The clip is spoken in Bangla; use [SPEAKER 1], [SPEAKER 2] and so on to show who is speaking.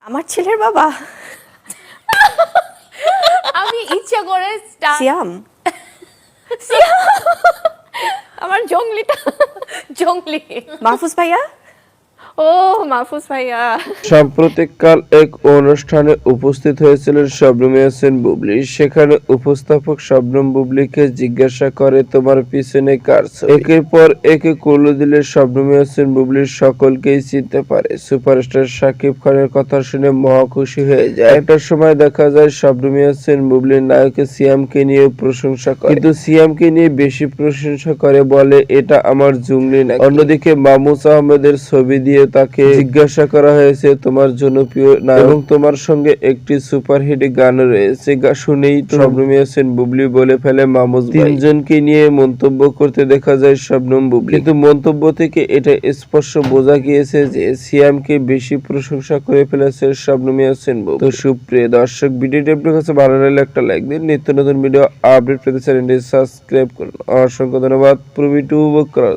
[SPEAKER 1] আমার ছেলের বাবা
[SPEAKER 2] আমি ইচ্ছা করে
[SPEAKER 1] সিয়াম
[SPEAKER 2] আমার জঙ্গলি
[SPEAKER 1] মাহফুজ ভাইয়া
[SPEAKER 2] ও মাহফুজ ভাইয়া।
[SPEAKER 3] সাম্প্রতিককাল এক অনুষ্ঠানে উপস্থিত হয়েছিলেন শবনম ইয়াসমিন বুবলি। সেখানে উপস্থাপক শবনম বুবলিকে জিজ্ঞাসা করে, তোমার পিছনে কার ছবি? একের পর একে ক্লু দিলে শবনম ইয়াসমিন বুবলি সকলকেই চিনতে পারে। সুপারস্টার শাকিব খানের কথা শুনে মহা খুশি হয়ে যায়। একটা সময় দেখা যায় শবনম ইয়াসমিন বুবলি নায়ক সিয়ামকে নিয়ে প্রশংসা করে, কিন্তু সিয়ামকে নিয়ে বেশি প্রশংসা করে, বলে এটা আমার জুংলি নাকি। অন্যদিকে মামুস আহমেদের ছবি দিয়ে তাকে জিজ্ঞাসা করা হয়েছে, তোমার জনপ্রিয় নায়ক এবং তোমার সঙ্গে একটি সুপারহিট গান রয়েছে। শুনেই শবনম ইয়াসমিন বুবলি বলে ফেলে মামুস ভাই। তিনজনকে নিয়ে মন্তব্য করতে দেখা যায় শবনম বুবলি, কিন্তু মন্তব্য থেকে এটা স্পষ্ট বোঝা গিয়েছে যে সিয়ামকে বেশি প্রশংসা করে ফেলেছে শবনম ইয়াসমিন বুবলি। তো সুপ্রিয় দর্শক, ভিডিওটি আপনার কাছে ভালো লাগলে একটা লাইক দিন। নিত্য নতুন ভিডিও আপডেট পেতে চ্যানেলটি সাবস্ক্রাইব করুন। অসংখ্য ধন্যবাদ। পুরো ভিডিও উপভোগ করার